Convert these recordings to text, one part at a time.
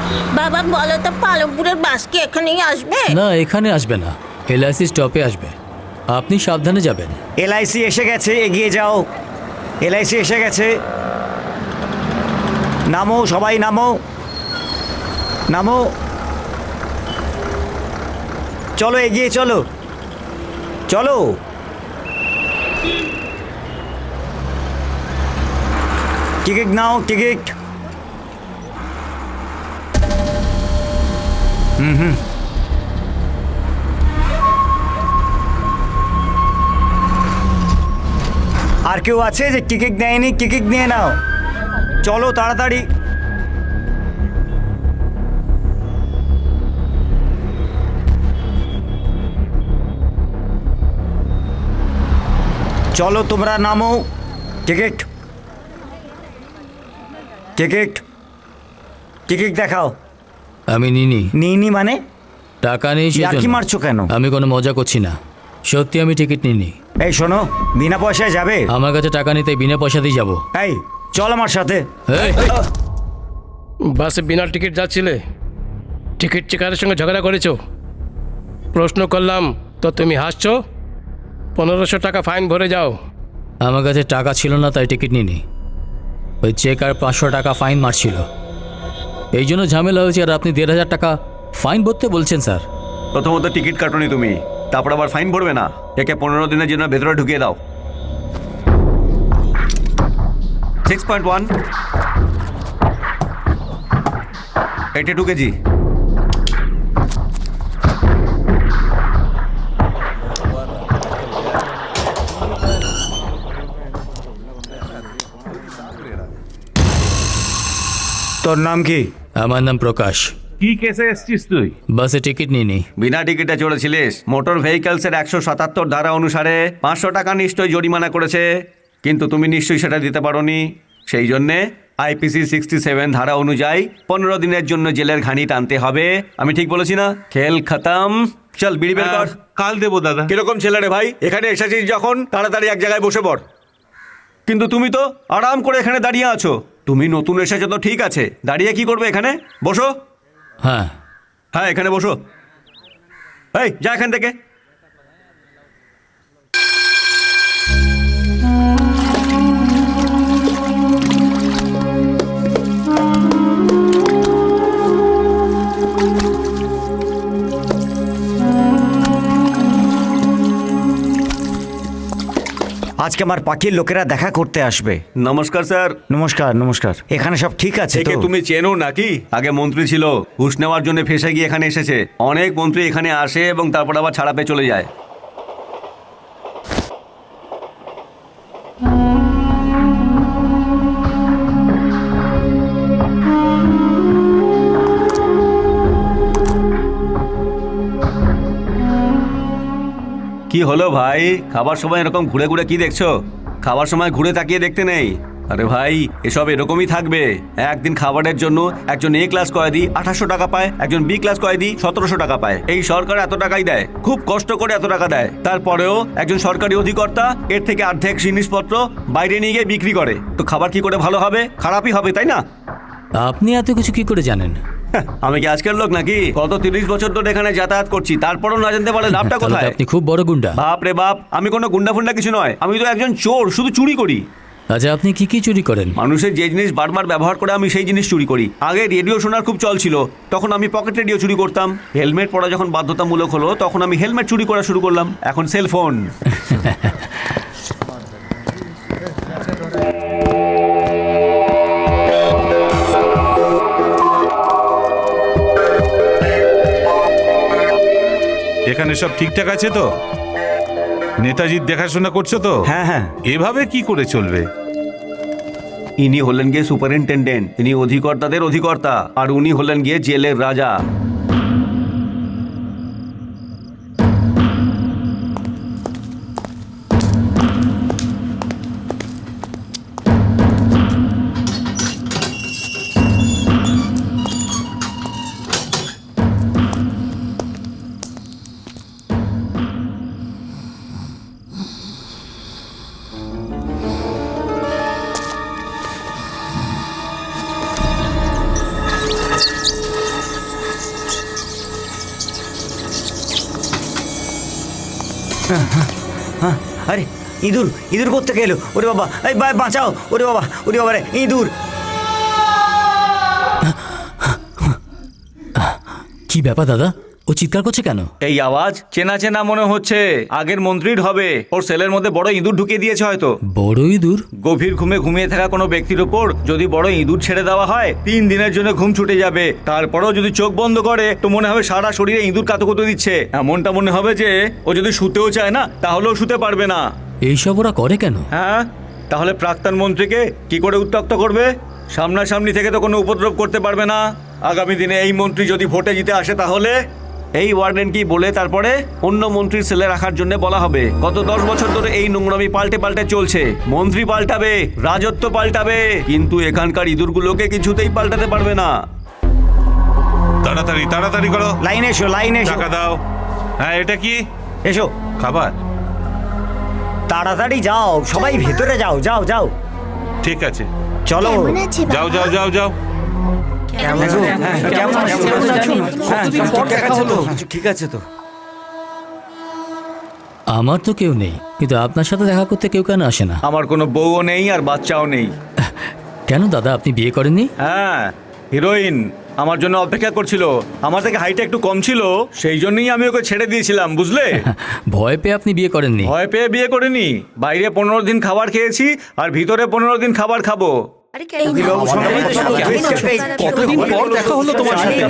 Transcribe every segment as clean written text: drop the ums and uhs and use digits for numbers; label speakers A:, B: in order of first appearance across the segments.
A: বাবা বলো তো পালমপুরের বাস কি এখানেই আসবে?
B: না, এখানে আসবে না, এলআইসি স্টপে আসবে। আপনি সাবধানে যাবেন।
C: এলআইসি এসে গেছে, এগিয়ে যাও। এলআইসি এসে গেছে। নামো, সবাই নামো, নামো। চলো, এগিয়ে চলো, চলো। টিকিট নাও, টিকিট। আর কেউ আছে যে টিকিট নেয়নি? টিকিট নিয়ে নাও, চলো তাড়াতাড়ি। চলো তোমরা নামো। টিকিট, টিকিট, টিকিট দেখাও।
B: আমি নিনি।
C: নিইনি মানে?
B: টাকা নেই
C: কি
B: সেজন্য।
C: মারছো কেন?
B: আমি কোনো মজা করছি না, সত্যি আমি টিকিট নিনি।
C: এই শোনো, বিনা পয়সায় যাবে?
B: আমার কাছে টাকা নেই, তাই বিনা পয়সাতেই যাবো।
C: এই চল আমার সাথে।
B: এই,
D: বাসে বিনা টিকিট যাচ্ছিলে, টিকিট চেকারের সঙ্গে ঝগড়া করেছো। প্রশ্ন করলাম তো তুমি হাসছো। 1500 টাকা ফাইন ভরে যাও।
B: আমার কাছে টাকা ছিল না, তাই টিকিট নিনি। ওই চেক আর 500 টাকা ফাইন মারছিল, এই জন্য ঝামেলা হয়েছে। আর আপনি 1500 টাকা ফাইন ভরতে বলছেন স্যার?
E: প্রথমত টিকিট কাটনি তুমি, তারপর আবার ফাইন ভরবে না? একে 15 দিনের জন্য ভেতরে ঢুকিয়ে দাও। 6.1 82 কেজি।
C: তোর নাম কি?
B: আমার নাম প্রকাশ।
F: কি কেসে এসছিস তুই?
B: বাসে টিকিট নিনি।
E: বিনা টিকিটে চড়েছিলিস। মোটর ভেহিকলসের 177 ধারা অনুসারে 500 টাকা নিশ্চয়ই জরিমানা করেছে, কিন্তু তুমি নিশ্চয়ই সেটা দিতে পারোনি। সেই জন্যে আইপিসি 67 ধারা অনুযায়ী 15 দিনের জন্য জেলের ঘানি টানতে হবে। আমি ঠিক বলেছি না? খেল খতম। চল বিড়ি বের কর।
F: কাল দেবো দাদা।
E: কিরকম ছেলে রে ভাই, এখানে এসেছিস যখন তাড়াতাড়ি এক জায়গায় বসে পড়। কিন্তু তুমি তো আরাম করে এখানে দাঁড়িয়ে আছো। তুমি নতুন এসেছো তো ঠিক আছে, দাঁড়িয়ে কি করবে এখানে? বসো।
B: হ্যাঁ,
E: হ্যাঁ এখানে বসো। এই যা এখান থেকে।
C: আজকে আমার পাখির লোকেরা দেখা করতে আসবে।
E: নমস্কার স্যার।
C: নমস্কার, নমস্কার। এখানে সব ঠিক আছে তো?
E: একে তুমি চেনো নাকি? আগে মন্ত্রী ছিল, ঘুষ নেওয়ার জন্য ফেসে গিয়ে এখানে এসেছে। অনেক মন্ত্রী এখানে আসে এবং তারপর আবার ছাড়া পেয়ে চলে যায়। কি হলো ভাই, খাবার সময় এরকম ঘুরে ঘুরে কি দেখছো? খাবার সময় ঘুরে তাকিয়ে দেখতে নেই। আরে ভাই, এসব এরকমই থাকবে। একদিন খাবারের জন্য একজন এ ক্লাস কয়েদি 2800 টাকা পায়, একজন বি ক্লাস কয়েদি 1700 টাকা পায়। এই সরকার এত টাকাই দেয়, খুব কষ্ট করে এত টাকা দেয়। তারপরেও একজন সরকারি অধিকর্তা এর থেকে অর্ধেক জিনিসপত্র বাইরে নিয়ে গিয়ে বিক্রি করে। তো খাবার কি করে ভালো হবে? খারাপই হবে, তাই না?
B: আপনি এত কিছু কি করে জানেন?
E: আমি কি আজকের লোক নাকি? গত 30 বছর ধরে এখানে যাতায়াত করছি, তারপরও না জানতে পারলে লাভটা
B: তাহলে তো
E: কোথায়?
B: আপনি খুব বড় গুন্ডা।
E: বাপ রে বাপ, আমি কোনো গুন্ডা ফুন্ডা কিছু নয়। আমি তো একজন চোর, শুধু চুরি করি।
B: আচ্ছা, আপনি কি কি চুরি করেন?
E: মানুষের যে জিনিস বারবার ব্যবহার করে আমি সেই জিনিস চুরি করি। আগে রেডিও শোনার খুব চল ছিল, তখন আমি পকেট রেডিও চুরি করতাম। হেলমেট পরা যখন বাধ্যতামূলক হলো, তখন আমি হেলমেট চুরি করা শুরু করলাম। এখন সেলফোন।
F: এখানে সব ঠিকঠাক আছে তো? নেতাজির দেখাশোনা করছো তো?
C: হ্যাঁ হ্যাঁ।
F: এভাবে কি করে চলবে?
E: ইনি হলেন গিয়ে সুপারিনটেন্ডেন্ট, ইনি অধিকর্তাদের অধিকর্তা, আর উনি হলেন গিয়ে জেলের রাজা।
C: আরে ইঁদুর ইঁদুর কোত্থেকে এলো? ওরে বাবা, এই বাঁচাও! ওরে বাবা রে, ইঁদুর!
B: কি ব্যাপার দাদা, ও চিৎকার করছে কেন?
E: এই আওয়াজ চেনা চেনা মনে হচ্ছে, আগের মন্ত্রীর হবে। ওর সেলের মধ্যে বড় ইঁদুর ঢুকিয়ে দিয়েছে হয়তো।
B: বড় ইঁদুর?
E: গভীর ঘুমে ঘুমিয়ে থাকা কোনো ব্যক্তির ওপর যদি বড় ইঁদুর ছেড়ে দেওয়া হয়, 3 দিনের জন্য ঘুম ছুটে যাবে। তারপরেও যদি চোখ বন্ধ করে তো মনে হবে সারা শরীরে ইঁদুর কাতুকুতু দিচ্ছে। এমনটা মনে হবে যে ও যদি শুতেও চায় না তাহলেও শুতে পারবে না।
B: এইসব ওরা করে কেন?
E: হ্যাঁ, তাহলে প্রাক্তন মন্ত্রীকে কি করে উত্ত্যক্ত করবে? সামনাসামনি থেকে তো কোনো উপদ্রব করতে পারবে না। আগামী দিনে এই মন্ত্রী যদি ভোটে জিতে আসে তাহলে এই ওয়ার্ডেন কি বলে তারপরে অন্য মন্ত্রীর সেলে রাখার জন্য বলা হবে। গত 10 বছর ধরে এই নোংরামি পাল্টে পাল্টে চলছে। মন্ত্রী পাল্টাবে, রাজত্ব পাল্টাবে, কিন্তু এখানকার ইঁদুরগুলোকে কিছুতেই পাল্টাতে পারবে না।
F: তাড়াতাড়ি তাড়াতাড়ি করো,
C: লাইনে এসো, লাইনে এসো,
F: টাকা দাও। হ্যাঁ, এটা কি
C: এসো,
F: খাবার?
C: তাড়াতাড়ি যাও, সবাই ভেতরে যাও, যাও যাও,
F: ঠিক আছে,
C: চলো।
F: যাও যাও যাও যাও।
C: ঠিক আছে তো।
B: আমার তো কেউ নেই, কিন্তু আপনার সাথে দেখা করতে কেউ কেন আসে না?
E: আমার কোনো বউও নেই আর বাচ্চাও নেই।
B: কেন দাদা, আপনি বিয়ে করেননি?
E: হ্যাঁ, হিরোইন আমার জন্য অপেক্ষা করছিল। আমার থেকে হাইটটা একটু কম ছিল, সেই জন্যই আমি ওকে ছেড়ে দিয়েছিলাম, বুঝলে?
B: ভয় পেয়ে আপনি বিয়ে করেননি?
E: ভয় পেয়ে বিয়ে করিনি। বাইরে 15 দিন খাবার খেয়েছি আর ভিতরে 15 দিন খাবার খাবো।
C: কতদিন পর দেখা হলো তোমার সাথে।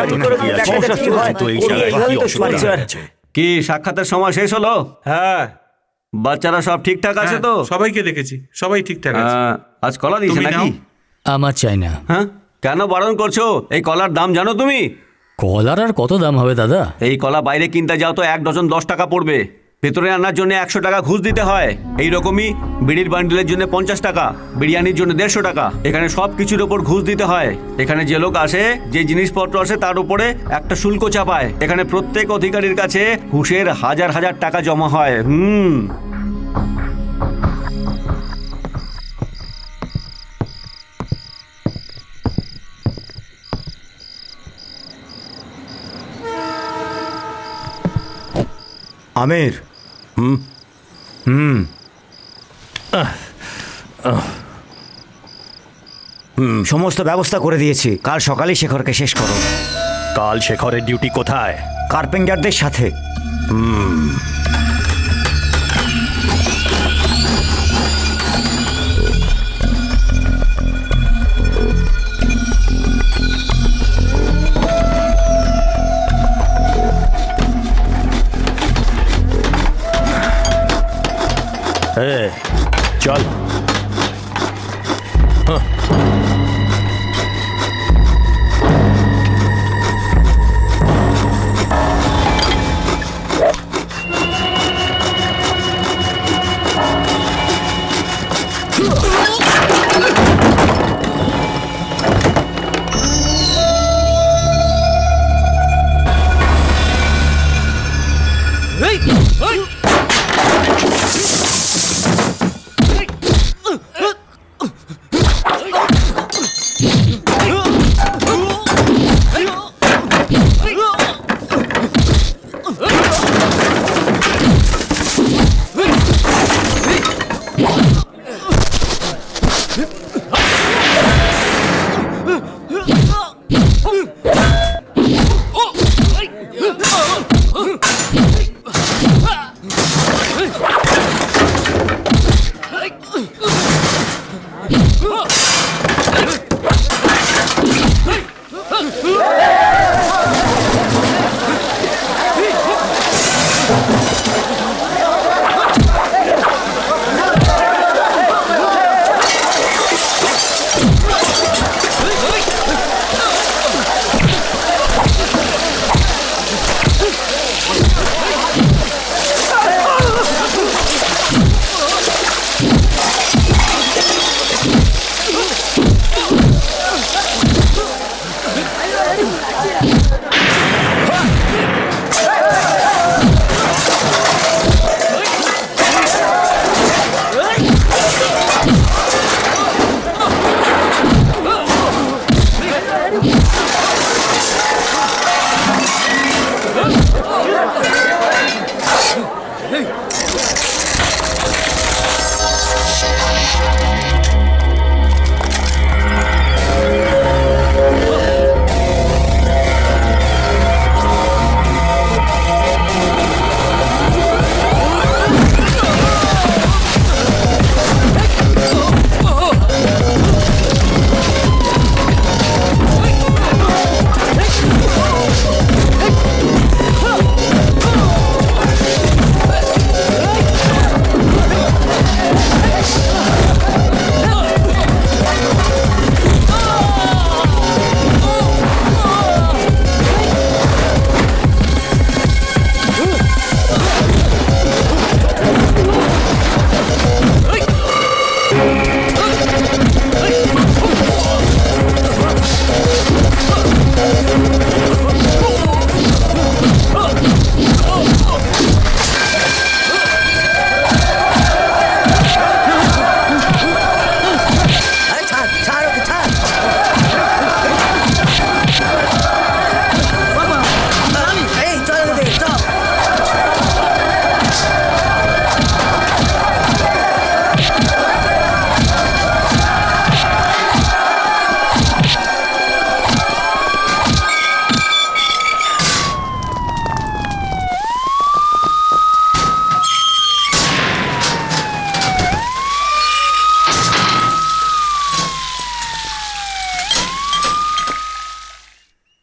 E: কি সাক্ষাতের সময় শেষ হলো? হ্যাঁ, বাচ্চারা সব ঠিকঠাক আছে তো?
F: হ্যাঁ, সবাইকে দেখেছি, সবাই ঠিকঠাক আছে।
E: আজ কলা দিয়েছে
F: তুমি
E: নাকি?
F: নাও।
B: আমার চাই না।
E: হ্যাঁ, কেন বারণ করছো? এই কলার দাম জানো তুমি?
B: কলার আর কত দাম হবে দাদা?
E: এই কলা বাইরে কিনতে যাও তো 1 ডজন 10 টাকা পড়বে। ভেতরে আনার জন্য 100 টাকা ঘুষ দিতে হয়। এই রকমই বিড়ির বান্ডিলের জন্য 50 টাকা, বিরিয়ানির জন্য 150 টাকা। এখানে সব কিছুর ওপর ঘুষ দিতে হয়। এখানে যে লোক আসে, যে জিনিসপত্র আসে তার উপরে একটা শুল্ক চাপায়। এখানে প্রত্যেক অধিকারীর কাছে ঘুষের হাজার হাজার টাকা জমা হয়।
C: আমির, সমস্ত ব্যবস্থা করে দিয়েছি। কাল সকালেই শেখরকে শেষ করো।
G: কাল শেখরের ডিউটি কোথায়?
C: কার্পেন্টারদের সাথে।
G: চল।